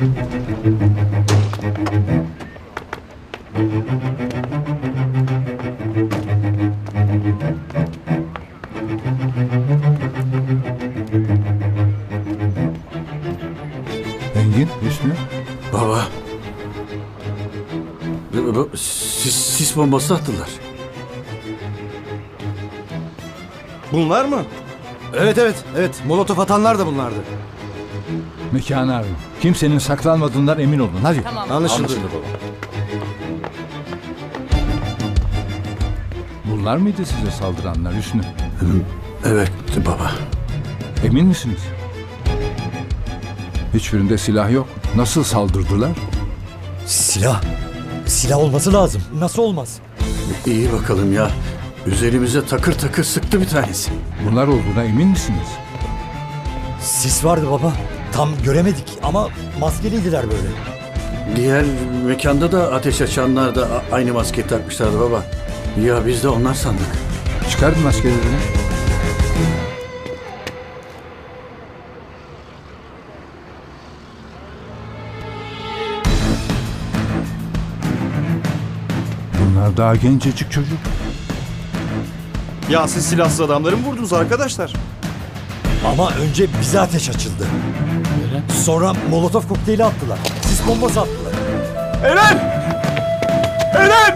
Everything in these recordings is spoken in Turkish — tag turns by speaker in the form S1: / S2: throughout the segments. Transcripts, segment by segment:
S1: Engin, Hüsnü.
S2: Baba. Sis bombası attılar.
S3: Bunlar mı?
S4: Evet. Molotof atanlar da bunlardı.
S1: Mekanı arayın. Kimsenin saklanmadığından emin olun. Hadi.
S4: Anlaşıldı.
S1: Bunlar mıydı size saldıranlar Hüsnü?
S2: Evet baba.
S1: Emin misiniz? Hiçbirinde silah yok. Nasıl saldırdılar?
S5: Silah olması lazım. Nasıl olmaz?
S2: İyi bakalım ya. Üzerimize takır takır sıktı bir tanesi.
S1: Bunlar olduğuna emin misiniz?
S5: Sis vardı baba. Tam göremedik ama maskeliydiler böyle.
S2: Diğer mekanda da ateş açanlar da aynı maskeyi takmışlardı baba. Ya biz de onlar sandık.
S1: Çıkarın maskelerini. Bunlar daha gencecik çocuk.
S3: Ya siz silahsız adamları mı vurdunuz arkadaşlar?
S5: Ama önce bize ateş açıldı. Sonra molotof kokteyli attılar. Sis bombası attılar.
S3: Eren! Eren!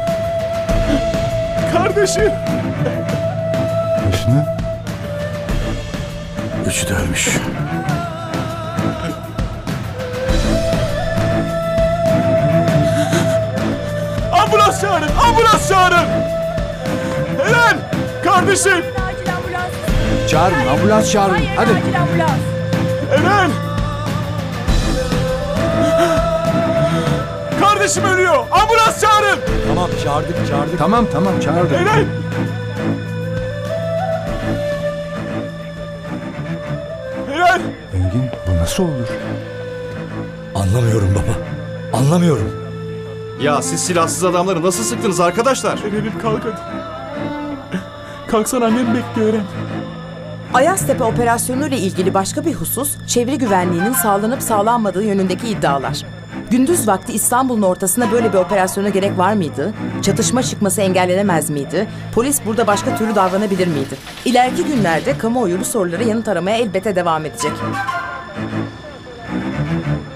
S3: Kardeşim!
S1: Hüsnü.
S2: Üçü de ölmüş.
S3: Ambulans çağırın! Ambulans çağırın! Eren! Kardeşim!
S6: Acil ambulans.
S1: Çağırın, ambulans çağırın.
S6: Hayır,
S1: Hadi.
S6: acil ambulans.
S3: Eren! Kardeşim ölüyor! Ambulans çağırın!
S5: Tamam çağırdık.
S1: Tamam çağırdım.
S3: Eren! Eren!
S1: Engin, bu nasıl olur?
S5: Anlamıyorum baba. Anlamıyorum.
S3: Ya siz silahsız adamları nasıl sıktınız arkadaşlar? Eren'im kalk hadi. Kalksana, annem bekliyor Eren.
S7: Ayaztepe operasyonu ile ilgili başka bir husus, çevre güvenliğinin sağlanıp sağlanmadığı yönündeki iddialar. Gündüz vakti İstanbul'un ortasında böyle bir operasyona gerek var mıydı? Çatışma çıkması engellenemez miydi? Polis burada başka türlü davranabilir miydi? İleriki günlerde kamuoyu bu sorulara yanıt aramaya elbette devam edecek.